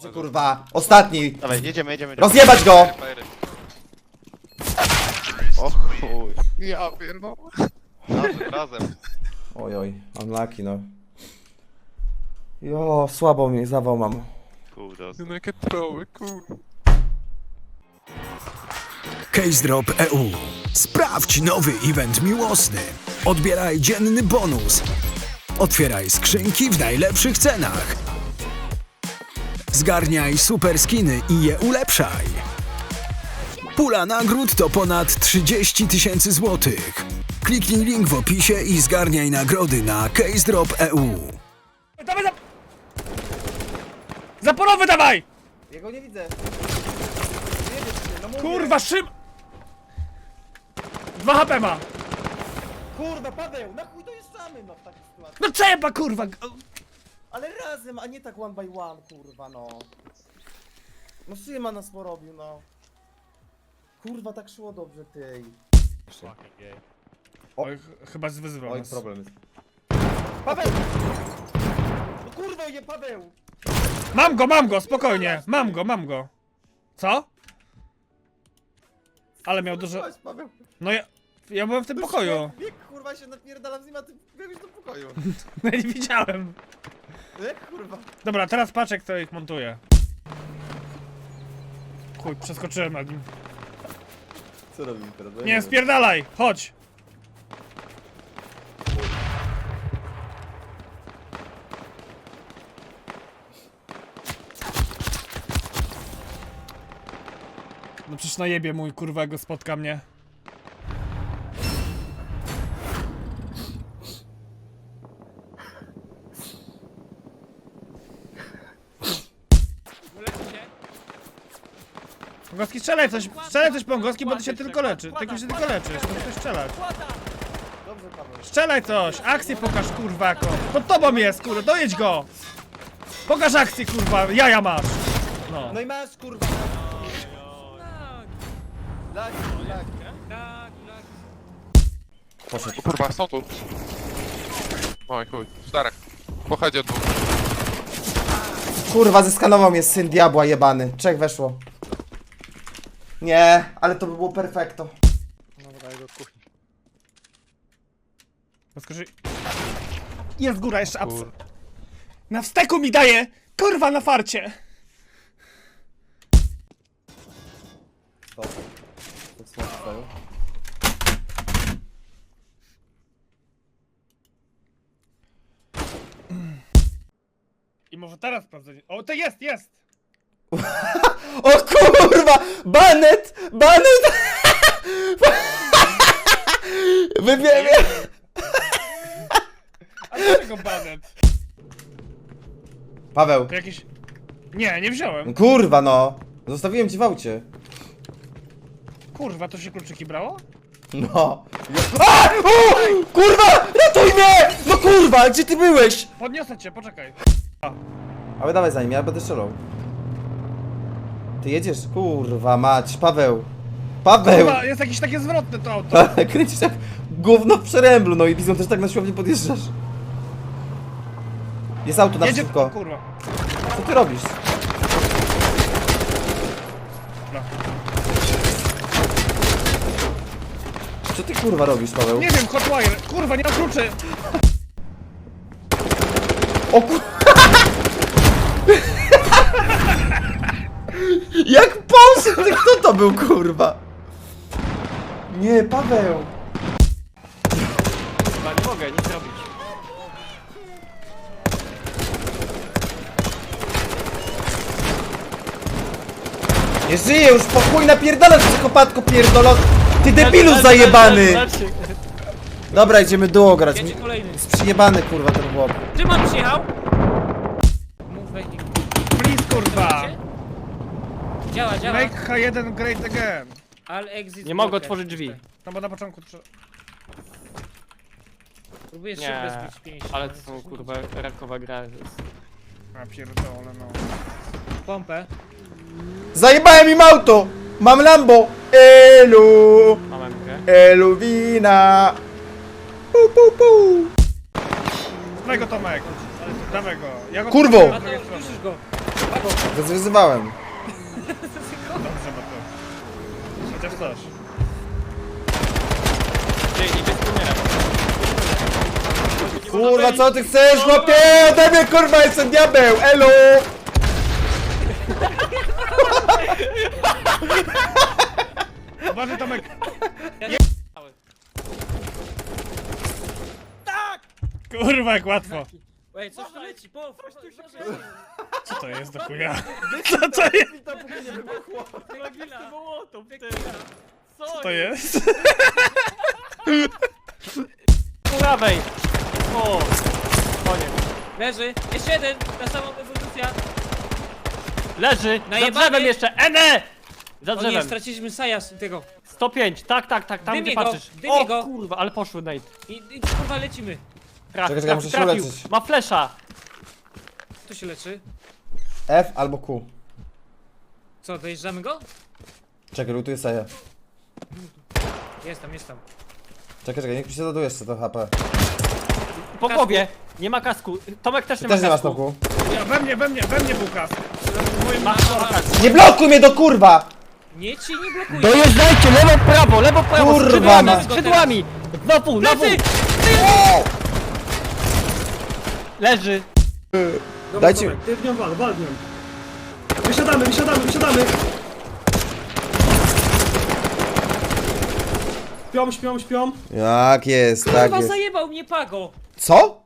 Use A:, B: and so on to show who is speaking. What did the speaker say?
A: Kurwa, ostatni.
B: Dawaj, jedziemy.
A: Rozjebać go!
B: O chuj.
C: Ja pierdolę.
B: Razem.
A: Oj, unlucky no. Jo, słabo mi, zawał mam.
B: Kudos.
C: No jakie troły, kurwa.
D: Case Drop EU. Sprawdź nowy event miłosny. Odbieraj dzienny bonus. Otwieraj skrzynki w najlepszych cenach. Zgarniaj super skiny i je ulepszaj. Pula nagród to ponad 30 000 złotych. Kliknij link w opisie i zgarniaj nagrody na Case Drop EU.
E: Dawaj zaporowy dawaj!
A: Jego nie widzę.
E: Kurwa szym! 2 HP ma!
A: Kurwa, Paweł, na chuj dojeżdżamy no w takiej sytuacji.
E: No trzeba kurwa!
A: Ale razem, a nie tak one by one, kurwa no. No Szyma nas porobił, no. Kurwa, tak szło dobrze, tej.
E: Oj, chyba wyzywał
A: Oj,
E: nas.
A: problem jest. Paweł! No kurwa, nie Paweł!
E: Mam go, spokojnie! Mam go! Co? Ale miał dużo...
A: Chodź, Paweł.
E: No ja byłem w tym pokoju.
A: Bieg, kurwa, się napierdalam z nim, a ty biegłeś do pokoju.
E: No nie widziałem.
A: Jak kurwa?
E: Dobra, teraz patrz jak to ich montuje. Chuj, przeskoczyłem nad nim.
A: Co robimy teraz?
E: Nie, spierdalaj! Chodź! No przecież najebie mój kurwa, jak go spotka mnie. Pongowski, strzelaj coś Pongowski, bo ty się tylko leczysz. Ty się tylko leczysz, musisz coś strzelać.
A: Dobrze, Paweł.
E: Strzelaj coś, akcję pokaż kurwa jako. Pod tobą jest kurwa, dojedź go! Pokaż akcję kurwa, jaja masz! No.
A: No i masz, kurwa. Lagi. Poszedł.
C: O kurwa, są tu. Oj chuj, czterech. Pochodzie dwóch.
A: Kurwa, zeskanował mnie syn diabła jebany. 3 weszło. Nie, ale to by było perfekto.
E: Podskoczy... Jest góra, jeszcze apsy. Na wsteku mi daje! Kurwa, na farcie! I może teraz sprawdzę. O, to jest!
A: O kurwa! Banet! Wybiegnie!
E: A dlaczego banet?
A: Paweł.
E: To jakiś... Nie wziąłem.
A: Kurwa no! Zostawiłem ci w aucie.
E: Kurwa, to się kluczyki brało?
A: No. A! O! Kurwa! Ratuj mnie! No kurwa, gdzie ty byłeś?
E: Podniosę cię, poczekaj.
A: Ale dawaj za nim, ja będę strzelał. Ty jedziesz? Kurwa mać, Paweł. Paweł!
E: Kurwa, jest jakieś takie zwrotne to auto.
A: Kręcisz jak gówno w przeręblu, no i widzą też tak na siłowni podjeżdżasz. Jest auto na szybko.
E: Kurwa.
A: Co ty robisz?
E: Dobra.
A: Co ty kurwa robisz, Paweł?
E: Nie wiem, hotwire. Kurwa, nie mam kluczy.
A: O kur... Jak poszedł? Kto to był, kurwa? Nie, Paweł.
F: Chyba nie mogę nic zrobić.
A: Nie żyję już, pokój napierdalać, psychopatko pierdolot. Ty debilu zajebany. Dobra, idziemy duo grać.
F: Jedzie kolejny.
A: Jest przyjebany, kurwa, ten chłop.
F: Szymon przyjechał! Move waiting.
E: Please, kurwa.
F: Działa.
E: Make H1 great again.
F: All exit.
G: Nie mogę
F: blocker.
G: otworzyć drzwi.
E: No bo na początku trzeba...
F: Próbuję
G: Nie,
F: szybko zbić 5.
G: ale to są kurwa rakowa gra.
E: A pierdolę, no.
F: Pompę.
A: Zajebałem im auto. Mam Lambo. Elu.
G: Mam grę.
A: Elu wina. Pu, pu, pu.
E: Dawaj go, Tomek. Dawaj go. Ja go
A: Kurwo!
F: A to słyszysz go.
A: Wyzywałem.
E: Dobrze, Mateusz. Chociaż coś.
G: Gdzie idzie z premierem?
A: Kurwa, co ty chcesz, chłopie? Ode mnie, kurwa, jestem diabeł, elo!
E: Uważaj, Tomek. Kurwa, jak łatwo.
F: Ej, coś tu leci, po,
E: Co to jest do chuja? Co to jest? Co to jest?
G: Po prawej! O! Koniec.
F: Leży, jeszcze jeden, ta sama ewolucja.
G: Leży! Za
F: Najebany.
G: drzewem jeszcze! Ene! Za
F: O nie,
G: drzewem.
F: straciliśmy Sajas tego.
G: 105, tak, tam
F: Dymie
G: gdzie
F: go,
G: patrzysz.
F: dymie
G: O
F: go.
G: kurwa, ale poszły Nate.
F: I kurwa lecimy.
A: Czekaj, muszę się
G: Trafił.
A: uleczyć.
G: Ma flesza.
F: Kto się leczy?
A: F albo Q.
F: Co, dojeżdżamy go?
A: Czekaj, lutuję Saja.
F: Jest tam.
A: Czekaj, niech mi się doduje jeszcze to HP.
G: Po
F: Kasku.
G: głowie. Nie ma kasku. Tomek też
A: Ty
G: nie ma
A: też nie masz
G: kasku.
A: smoku.
E: Ja, we mnie był kask.
G: Ma
A: Nie blokuj mnie do kurwa!
F: Nie ci nie blokuje.
G: Dojeżdżajcie, lewo, prawo,
A: Kurwa,
G: skrzydłami,
A: ma-
G: skrzydłami! Na pół! Leży!
A: Dajcie...
H: Ty w nią wal w nią. Wysiadamy. Śpią.
A: Jak jest, tak
F: Kurwa
A: jest.
F: zajebał mnie Pago.
A: Co?